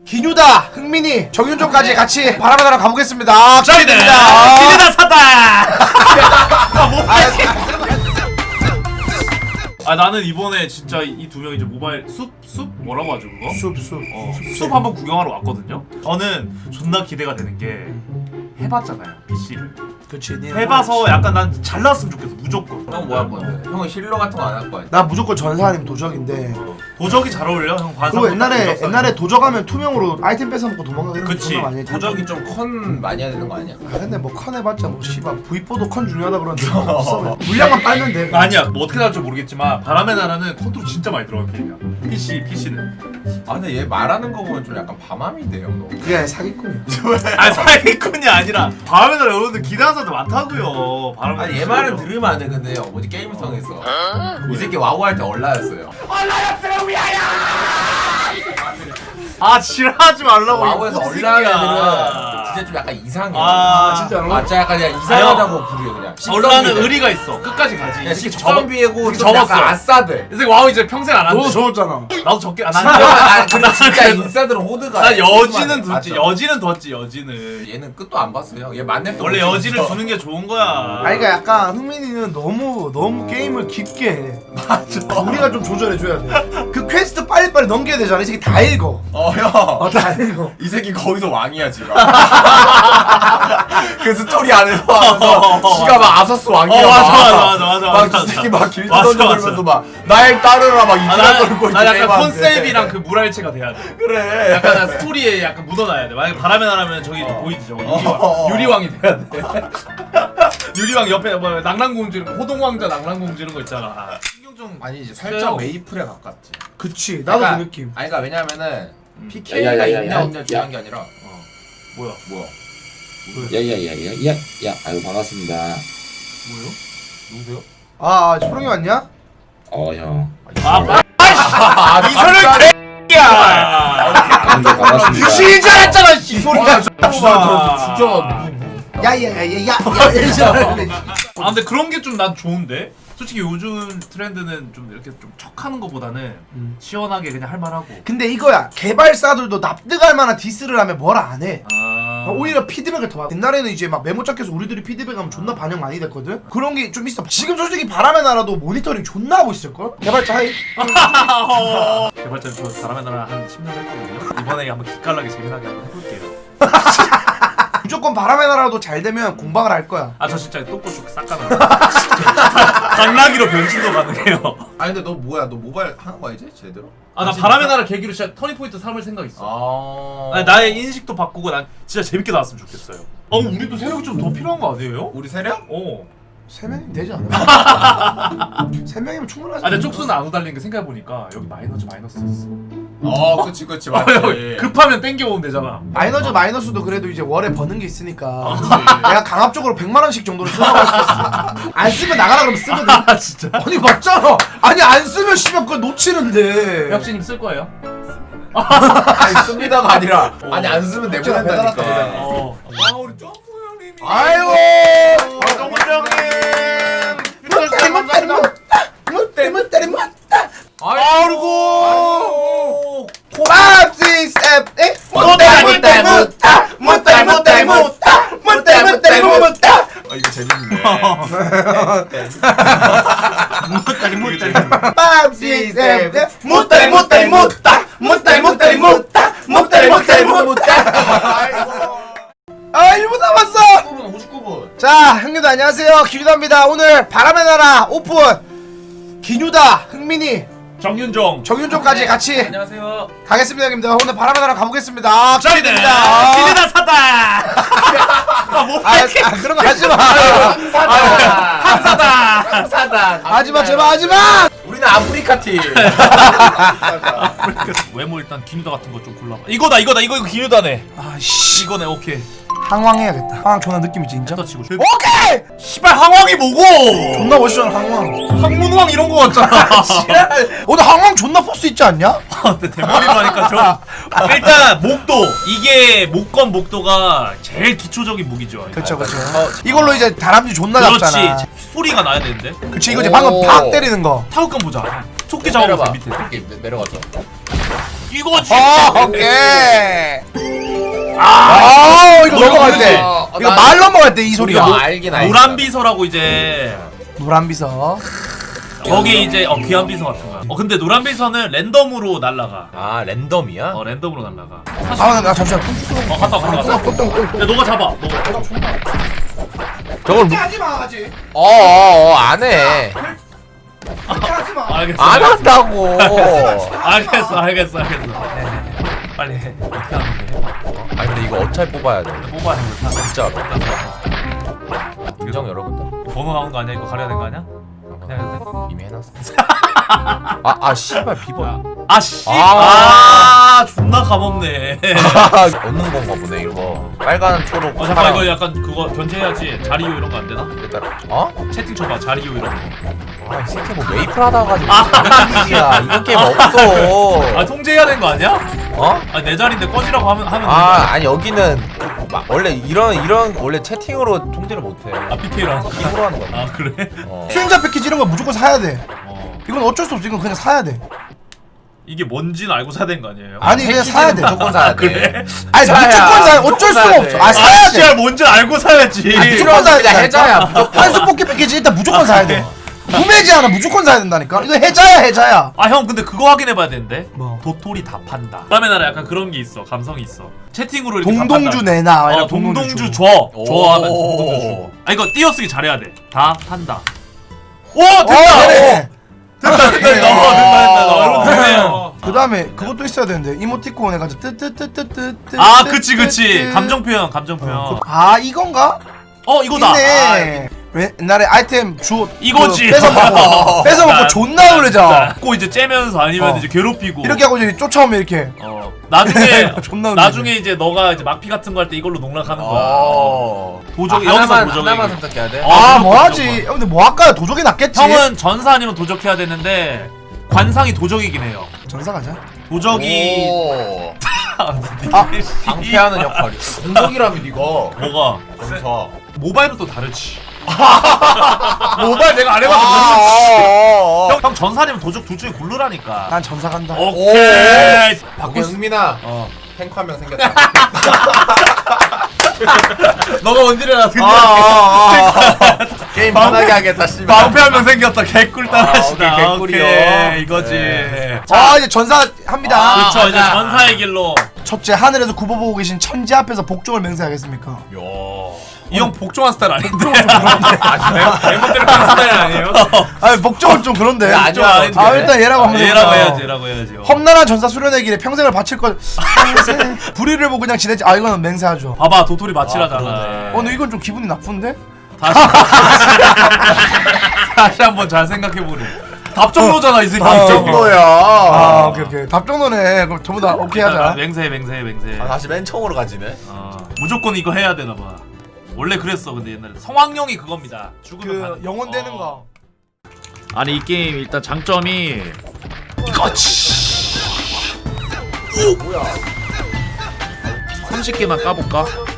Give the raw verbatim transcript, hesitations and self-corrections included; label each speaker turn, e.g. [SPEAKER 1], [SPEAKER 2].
[SPEAKER 1] 기뉴다, 흥민이, 정윤종까지 같이 바람의 나라 가보겠습니다.
[SPEAKER 2] 기대다! 기대다 사다! 아, 못 봤지? 아, 나는 이번에 진짜 이 두 명 이제 모바일 숲? 숲? 뭐라고 하죠 그거?
[SPEAKER 1] 숲, 숲.
[SPEAKER 2] 어, 숲 한번 구경하러 왔거든요? 저는 존나 기대가 되는 게 해봤잖아요, 피씨를.
[SPEAKER 1] 그치.
[SPEAKER 2] 해봐서 약간 난 잘 나왔으면 좋겠어, 무조건.
[SPEAKER 3] 형 뭐 할 건데? 형은 힐러 같은 거 안 할 거야?
[SPEAKER 1] 나 무조건 전사 아니면 도적인데.
[SPEAKER 2] 도적이 잘 어울려, 형.
[SPEAKER 1] 그리고 옛날에 옛날에 도적하면 투명으로 아이템 뺏어먹고 도망가는 거
[SPEAKER 2] 그치.
[SPEAKER 1] 많이 했지.
[SPEAKER 3] 도적이 좀 컨 많이 해야 되는 거 아니야?
[SPEAKER 1] 아 근데 뭐 컨 해봤자 뭐 씨발 브이포도 컨 중요하다 그러는데 뭐 없어. 물량만 빨면 돼.
[SPEAKER 2] 아니야, 뭐 어떻게 나올지 모르겠지만 바람의 나라는 컨트롤 진짜 많이 들어간 게임이야. 피씨, 피씨는.
[SPEAKER 3] 아 근데 얘 말하는 거 보면 좀 약간 밤함인데요 너.
[SPEAKER 1] 그게 사기꾼이야.
[SPEAKER 2] 아, 사기꾼이 아니라 바람의 나라 여러분들 기대하는 사람들 많다고요. 바람의
[SPEAKER 3] 아니 얘 말은 들으면 안 돼. 근데 어디 게임성에서 이 새끼 와우 할 때 얼라였어요.
[SPEAKER 2] 아, 지랄하지 말라고.
[SPEAKER 3] 와우에서
[SPEAKER 2] 이
[SPEAKER 3] 얼라는
[SPEAKER 2] 새끼야.
[SPEAKER 3] 애들은 진짜 좀 약간 이상해.
[SPEAKER 2] 아,
[SPEAKER 1] 진짜로?
[SPEAKER 3] 아, 진짜 약간 그냥 이상하다고 부르요 그냥.
[SPEAKER 2] 얼라는 의리가 있어. 끝까지 가지.
[SPEAKER 3] 그냥
[SPEAKER 2] 이 새끼
[SPEAKER 3] 십선비고
[SPEAKER 2] 접어-
[SPEAKER 3] 좀 약간
[SPEAKER 2] 접었어.
[SPEAKER 3] 아싸들.
[SPEAKER 2] 이 새끼 와우 이제 평생 안 한대.
[SPEAKER 1] 너도 적었잖아.
[SPEAKER 2] 나도 적게 안
[SPEAKER 3] 진짜,
[SPEAKER 2] 한다.
[SPEAKER 3] 아, 근데 진짜 인싸들은 호드가.
[SPEAKER 2] 나 여지는
[SPEAKER 3] 맞아.
[SPEAKER 2] 뒀지. 여지는 뒀지. 여지는.
[SPEAKER 3] 얘는 끝도 안 봤어요. 얘 만렙 때
[SPEAKER 2] 원래
[SPEAKER 3] 못
[SPEAKER 2] 여지를
[SPEAKER 3] 찍었어.
[SPEAKER 2] 주는 게 좋은 거야.
[SPEAKER 1] 아니 그러니까 약간 흥민이는 너무 너무 게임을 깊게 해. 맞아. 우리가 좀 조절해줘야 돼. 그 퀘스트 빨리빨리 넘겨야 되잖아. 이 새끼 다 읽어.
[SPEAKER 3] 어 형.
[SPEAKER 1] 어, 다 읽어.
[SPEAKER 3] 이 새끼 거기서 왕이야 지금. 그 스토리 안에서 하면서 지가 막 아서스 왕이야.
[SPEAKER 2] 어, 맞아,
[SPEAKER 3] 막.
[SPEAKER 2] 맞아, 맞아, 맞아,
[SPEAKER 3] 막
[SPEAKER 2] 맞아.
[SPEAKER 3] 이 새끼 막 길드
[SPEAKER 2] 맞아,
[SPEAKER 3] 던져버리면서
[SPEAKER 2] 맞아.
[SPEAKER 3] 막 날 따르라 막
[SPEAKER 2] 아,
[SPEAKER 3] 이지랄 걸고
[SPEAKER 2] 나, 나
[SPEAKER 3] 있지,
[SPEAKER 2] 약간
[SPEAKER 3] 게임하는데.
[SPEAKER 2] 컨셉이랑 그 물알체가 돼야 돼.
[SPEAKER 3] 그래.
[SPEAKER 2] 약간 나 스토리에 약간 묻어놔야 돼. 만약에 바람의 나라면 저기 보이지 저거 유리왕.
[SPEAKER 3] 어.
[SPEAKER 2] 유리왕이 돼야 돼. 유리왕 옆에 뭐 낭랑공주 이런 거, 호동왕자 낭랑공주 이런 거 있잖아. 신경 좀
[SPEAKER 3] 아니 이제
[SPEAKER 2] 써요.
[SPEAKER 3] 살짝 메이플에 가깝지.
[SPEAKER 1] 그치. 나도
[SPEAKER 3] 그러니까-
[SPEAKER 1] 그 느낌.
[SPEAKER 3] 아니 그러니까 왜냐면은
[SPEAKER 2] 음.
[SPEAKER 3] 피케이가
[SPEAKER 4] 야, 야, 야,
[SPEAKER 3] 있냐
[SPEAKER 4] 야,
[SPEAKER 3] 없냐
[SPEAKER 4] 야.
[SPEAKER 3] 중요한 게 아니라 어.
[SPEAKER 2] 뭐야?
[SPEAKER 3] 뭐야?
[SPEAKER 4] 야야야야야야 야 아유 반갑습니다.
[SPEAKER 2] 뭐요?
[SPEAKER 3] 누구세요?
[SPEAKER 1] 아, 아 소룡이 왔냐?
[SPEAKER 4] 어 형.
[SPEAKER 2] 아,
[SPEAKER 3] 아
[SPEAKER 2] 이소룡 개야.
[SPEAKER 4] 안돼 반갑습니다.
[SPEAKER 2] 귀신인 줄 알았잖아. 이
[SPEAKER 3] 아,
[SPEAKER 2] 소리가
[SPEAKER 3] 진짜 진짜
[SPEAKER 1] 야야야야야.
[SPEAKER 2] 아 근데 그런 게 좀 난 좋은데. 솔직히 요즘 트렌드는 좀 이렇게 좀 척하는 것보다는
[SPEAKER 1] 음.
[SPEAKER 2] 시원하게 그냥 할 만하고.
[SPEAKER 1] 근데 이거야. 개발사들도 납득할 만한 디스를 하면 뭘 안 해.
[SPEAKER 2] 아.
[SPEAKER 1] 오히려 피드백을 더 받아. 옛날에는 이제 막 메모장께서 우리들이 피드백하면 존나 반영 많이 됐거든. 그런 게 좀 있어. 지금 솔직히 바람의 나라도 모니터링 존나 하고 있을걸? 개발자 하이.
[SPEAKER 2] 개발자 저 바람의 나라 한 십 년 했거든요. 이번에 한번 기깔나게 재미나게 한번 해볼게요.
[SPEAKER 1] 무조건 바람의 나라도 잘 되면 공방을 할 거야.
[SPEAKER 2] 아 저 진짜 똥꼬쇼 싹 가는 당나귀로 변신도 가능해요.
[SPEAKER 3] 아니 근데 너 뭐야? 너 모바일 하는 거야 이제 제대로?
[SPEAKER 2] 아 나 바람의 나라 계기로 진짜 터닝포인트 삼을 생각 있어.
[SPEAKER 3] 아.
[SPEAKER 2] 아니, 나의 인식도 바꾸고 난 진짜 재밌게 나왔으면 좋겠어요. 어 우리도 세력이 좀 더 필요한 거 아니에요?
[SPEAKER 3] 우리 세력?
[SPEAKER 2] 어.
[SPEAKER 1] 세 명이면 되지 않아? 세 명이면 충분하지.
[SPEAKER 2] 아 근데 쪽수는 안 오달리는 게 생각해보니까 여기 마이너즈 마이너스 있어.
[SPEAKER 3] 어, 그렇지 그렇지
[SPEAKER 2] 어,
[SPEAKER 3] 맞지.
[SPEAKER 2] 급하면 땡겨오면 되잖아.
[SPEAKER 1] 마이너즈 마이너스도 그래도 이제 월에 버는 게 있으니까
[SPEAKER 2] 아,
[SPEAKER 1] 내가 강압적으로 백만 원씩 정도를 쓰라고 할 수 있어. 안 쓰면 나가라 그러면 쓰거든.
[SPEAKER 2] 아 진짜?
[SPEAKER 1] 아니 맞잖아. 아니 안 쓰면 씨발 그걸 놓치는데.
[SPEAKER 2] 혁신님 쓸 거예요?
[SPEAKER 3] 아니 씁니다가 아니라
[SPEAKER 2] 어.
[SPEAKER 3] 아니 안 쓰면
[SPEAKER 1] 배달할까,
[SPEAKER 3] 내보낸다니까.
[SPEAKER 1] 배달.
[SPEAKER 2] 어.
[SPEAKER 3] 아 우리 점프 형님이.
[SPEAKER 1] 아이고.
[SPEAKER 2] 정훈 형님.
[SPEAKER 1] 못다리 못다리 못다. 못다리 못다리 못다.
[SPEAKER 3] 아이고.
[SPEAKER 1] 팝시 셉. 못다리 못다리 못다. 못다리 못다리 못다. 못다리 못다리 못다.
[SPEAKER 3] 아 이거 재밌는데.
[SPEAKER 2] 못다리 못다리.
[SPEAKER 1] 팝시 셉. 못다리 못다리 못다. 못다리 못다리 못다. 못다리 못다리 못다.
[SPEAKER 3] 아이고.
[SPEAKER 1] 아 일 분 남았어.
[SPEAKER 3] 오십구 분 오십구 분.
[SPEAKER 1] 자, 형님들 안녕하세요. 기뉴다입니다. 오늘 바람의 나라 오픈. 기뉴다, 흥민이,
[SPEAKER 2] 정윤종.
[SPEAKER 1] 정윤종까지 같이
[SPEAKER 3] 안녕하세요.
[SPEAKER 1] 가겠습니다, 형님들. 오늘 바람의 나라 가보겠습니다.
[SPEAKER 2] 기대다. 기대다 사다. 아못
[SPEAKER 1] 아, 아, 그런 거 하지 마.
[SPEAKER 2] 사다.
[SPEAKER 3] 항사다.
[SPEAKER 1] 하지 마, 제발 하지 마.
[SPEAKER 3] 우리는 아프리카 팀.
[SPEAKER 2] 외모 일단 기누다 같은 거 좀 골라봐. 이거다 이거다 이거 이거 기누다네.
[SPEAKER 1] 아씨,
[SPEAKER 2] 이거네 오케이.
[SPEAKER 1] 항왕해야겠다. 항왕 존나 느낌 있지, 인정?
[SPEAKER 2] 터치고.
[SPEAKER 1] 오케이.
[SPEAKER 2] 씨발 항왕이 뭐고?
[SPEAKER 1] 존나 멋있잖아, 항왕.
[SPEAKER 2] 항문왕 이런 거 같잖아.
[SPEAKER 1] 오늘 항왕 존나 포스 있지 않냐?
[SPEAKER 2] 근데 대머리로 하니까 좀. 일단 목도 이게 목건 목도가 제일 기초적인 무기죠.
[SPEAKER 1] 그쵸, 그쵸. 이걸로 이제 다람쥐 존나 잡잖아.
[SPEAKER 2] 그렇지. 소리가 나야 되는데.
[SPEAKER 1] 그치, 이거 이제 방금
[SPEAKER 3] 오.
[SPEAKER 1] 팍 때리는 거.
[SPEAKER 2] 타격감 보자. 토끼 잡아보세요 밑에.
[SPEAKER 3] 이렇게 내려가서.
[SPEAKER 2] 이거지.
[SPEAKER 1] 아 오케이. 아 이거 넘어갈 때
[SPEAKER 3] 어,
[SPEAKER 1] 이거
[SPEAKER 3] 나-
[SPEAKER 1] 말 넘어갈 때 이 소리가
[SPEAKER 3] 뭐 알긴 알지.
[SPEAKER 2] 노란 비서라고 이제
[SPEAKER 1] 노란 비서.
[SPEAKER 2] 거기 이제 어 귀한 비서 같은 거야. 어 근데 노란 비서는 랜덤으로 날라가.
[SPEAKER 3] 아 랜덤이야?
[SPEAKER 2] 어 랜덤으로 날라가.
[SPEAKER 1] 아 나 잠시만.
[SPEAKER 2] 어 갔다 와, 갔다. 와. 야 너가 잡아. 너가.
[SPEAKER 3] 저걸 무...
[SPEAKER 1] 하지 마 하지.
[SPEAKER 3] 어어어 안해
[SPEAKER 1] 하지 마.
[SPEAKER 2] 알겠어.
[SPEAKER 3] 안
[SPEAKER 2] 알겠어.
[SPEAKER 3] 한다고.
[SPEAKER 2] 알겠어 알겠어 알겠어. 빨리 해. 어떻게 하는데?
[SPEAKER 3] 아 근데 이거 어차피 뽑아야 돼.
[SPEAKER 2] 뽑아야 돼.
[SPEAKER 3] 진짜로. 인정 여러분들.
[SPEAKER 2] 번호 나온 거 아니야? 이거 가려야 되는 거 아니야? 그냥 해도 돼?
[SPEAKER 3] 이미 해놨어. 아아 씨발 비번.
[SPEAKER 2] 아씨.
[SPEAKER 3] 아.
[SPEAKER 2] 아 존나 감없네.
[SPEAKER 3] 얻는 건가 보네 이거. 빨간 초록.
[SPEAKER 2] 어 잠깐 이거 약간 그거 견제해야지. 자리요 이런 거 안 되나?
[SPEAKER 3] 일단 어?
[SPEAKER 2] 채팅 쳐봐. 자리요 이런 거.
[SPEAKER 3] 아, 이 새끼 뭐 메이플 하다 가지고 이야 이런 게임 없어.
[SPEAKER 2] 아 통제해야 되는 거 아니야?
[SPEAKER 3] 어?
[SPEAKER 2] 아 내 자리인데 꺼지라고 하면 하면
[SPEAKER 3] 아 아니 여기는 막 원래 이런 이런 원래 채팅으로 통제를 못해.
[SPEAKER 2] 아 피케이로 하는 거야?
[SPEAKER 3] 힘으로 하는 거야.
[SPEAKER 2] 아 그래?
[SPEAKER 3] 어.
[SPEAKER 1] 수행자 패키지 이런 거 무조건 사야 돼.
[SPEAKER 2] 어
[SPEAKER 1] 이건 어쩔 수 없어. 이건 그냥 사야 돼.
[SPEAKER 2] 이게 뭔지는 알고 사야 되는 거 아니에요?
[SPEAKER 1] 아니 그냥 사야 돼.
[SPEAKER 3] 무조건 사야 돼.
[SPEAKER 2] 그래?
[SPEAKER 1] 아니
[SPEAKER 3] 사야.
[SPEAKER 1] 무조건 사야. 어쩔
[SPEAKER 3] 무조건
[SPEAKER 1] 수가
[SPEAKER 3] 사야
[SPEAKER 1] 없어.
[SPEAKER 3] 돼.
[SPEAKER 1] 아 사야
[SPEAKER 2] 아
[SPEAKER 1] 돼.
[SPEAKER 2] 씨야 뭔지 알고 사야지.
[SPEAKER 1] 아, 무조건 사야
[SPEAKER 3] 그냥
[SPEAKER 1] 돼.
[SPEAKER 3] 해자야, 무조건.
[SPEAKER 1] 한수 뽑기 패키지 일단 무조건 사야 돼. 구매지 않아 무조건 사야 된다니까. 이거 해자야 해자야.
[SPEAKER 2] 아 형 근데 그거 확인해봐야 되는데
[SPEAKER 1] 뭐?
[SPEAKER 2] 도토리 다 판다. 다음에 나라 약간 그런 게 있어. 감성이 있어. 채팅으로 이렇게
[SPEAKER 1] 동동주
[SPEAKER 2] 다 판다.
[SPEAKER 1] 내놔.
[SPEAKER 2] 어
[SPEAKER 1] 이런
[SPEAKER 2] 동동주
[SPEAKER 1] 줘.
[SPEAKER 2] 줘.
[SPEAKER 3] 오.
[SPEAKER 2] 줘 하면 동동주 줘. 아 이거 띄어쓰기 잘해야 돼. 다 판다. 오
[SPEAKER 1] 어,
[SPEAKER 2] 됐다.
[SPEAKER 1] 그래.
[SPEAKER 2] 됐다 됐다 됐다. 어, 됐다 됐다. 여러분 됐네요.
[SPEAKER 1] 그 다음에 그것도 있어야 되는데 이모티콘 해가지고 뜨뜨뜨뜨뜨.
[SPEAKER 2] 아 그치 그치. 감정 표현 감정 표현.
[SPEAKER 1] 아 이건가?
[SPEAKER 2] 어 이거다.
[SPEAKER 1] 있네. 왜 옛날에 아이템 주
[SPEAKER 2] 이거지.
[SPEAKER 1] 그 뺏어 먹고 뺏어 먹고 존나 놀래자.
[SPEAKER 2] 고 이제 째면서 아니면
[SPEAKER 1] 어.
[SPEAKER 2] 이제 괴롭히고
[SPEAKER 1] 이렇게 하고 이제 쫓아오면 이렇게.
[SPEAKER 2] 어 나중에
[SPEAKER 1] 존나 놀래자.
[SPEAKER 2] 나중에 이제 너가 이제 막피 같은 거 할 때 이걸로 농락하는 거야.
[SPEAKER 3] 어.
[SPEAKER 2] 도적
[SPEAKER 3] 아,
[SPEAKER 2] 여기서
[SPEAKER 3] 하나만,
[SPEAKER 2] 도적
[SPEAKER 3] 하나만 선택해야 돼.
[SPEAKER 2] 어.
[SPEAKER 1] 아
[SPEAKER 2] 무조건
[SPEAKER 1] 뭐하지?
[SPEAKER 2] 무조건.
[SPEAKER 1] 근데 뭐 할까요? 도적이 낫겠지.
[SPEAKER 2] 형은 전사 아니면 도적해야 되는데 관상이 도적이긴 해요.
[SPEAKER 1] 전사 가자.
[SPEAKER 2] 도적이
[SPEAKER 3] 오.
[SPEAKER 1] 아.
[SPEAKER 3] 방패하는 역할이. 공격이라며 니가.
[SPEAKER 2] 뭐가
[SPEAKER 3] 전사.
[SPEAKER 2] 모바일은 또 다르지. 모바일 내가 안 해봐서
[SPEAKER 3] 아,
[SPEAKER 2] 모르겠지.
[SPEAKER 3] 어, 어.
[SPEAKER 2] 형, 형 전사 아니면 도적 둘 중에 고르라니까.
[SPEAKER 1] 난 전사 간다.
[SPEAKER 2] 오케이.
[SPEAKER 3] 바꿀 승민아.
[SPEAKER 2] 어.
[SPEAKER 3] 탱크 한 명 생겼다.
[SPEAKER 2] 너가 원딜이라 근데
[SPEAKER 3] 아, 아, 아. 게임 편하게 하겠다 씨발.
[SPEAKER 2] 방패 한 명 생겼다. 개꿀 따라하시다.
[SPEAKER 3] 아, 오케이, 개꿀이요.
[SPEAKER 2] 오케이, 이거지.
[SPEAKER 3] 네.
[SPEAKER 1] 자 이제 전사 합니다.
[SPEAKER 3] 아,
[SPEAKER 2] 그렇죠. 이제
[SPEAKER 3] 맞아.
[SPEAKER 2] 전사의 길로.
[SPEAKER 1] 첫째 하늘에서 굽어보고 계신 천지 앞에서 복종을 맹세하겠습니까?
[SPEAKER 2] 이 형 복종한 스타일 아닌데? 멤버들 하는 스타일 아니에요?
[SPEAKER 1] 아니 복종은 좀 그런데.
[SPEAKER 3] 야, 아니야, 아닌데.
[SPEAKER 1] 아 일단 얘라고 한번
[SPEAKER 2] 얘라고
[SPEAKER 1] 해보자.
[SPEAKER 2] 해야지, 얘라고 해야지.
[SPEAKER 1] 험난한 전사 수련의 길에 평생을 바칠 것. 평생 불의를 보고 그냥 지내지. 아 이거는 맹세하죠.
[SPEAKER 2] 봐봐, 도토리
[SPEAKER 3] 아,
[SPEAKER 2] 마치라잖아.
[SPEAKER 3] 그러네.
[SPEAKER 1] 어 근데 이건 좀 기분이 나쁜데?
[SPEAKER 2] 다시 다시 한번 잘 생각해보래. 답정로잖아 이 새끼.
[SPEAKER 1] 아,
[SPEAKER 3] 정도야.
[SPEAKER 1] 아 오케이 오케이 답정너네. 그럼 전부 다 오케이 하자.
[SPEAKER 2] 맹세해 맹세해 맹세해.
[SPEAKER 3] 아, 다시 맨 처음으로 가지네.
[SPEAKER 2] 어, 무조건 이거 해야 되나 봐. 원래 그랬어. 근데 옛날에 성황룡이 그겁니다. 죽으면
[SPEAKER 1] 그
[SPEAKER 2] 가는
[SPEAKER 1] 영혼 되는
[SPEAKER 2] 어.
[SPEAKER 1] 거.
[SPEAKER 2] 아니 이 게임 일단 장점이 이거지.
[SPEAKER 3] 뭐야?
[SPEAKER 2] 삼십 개만 까볼까?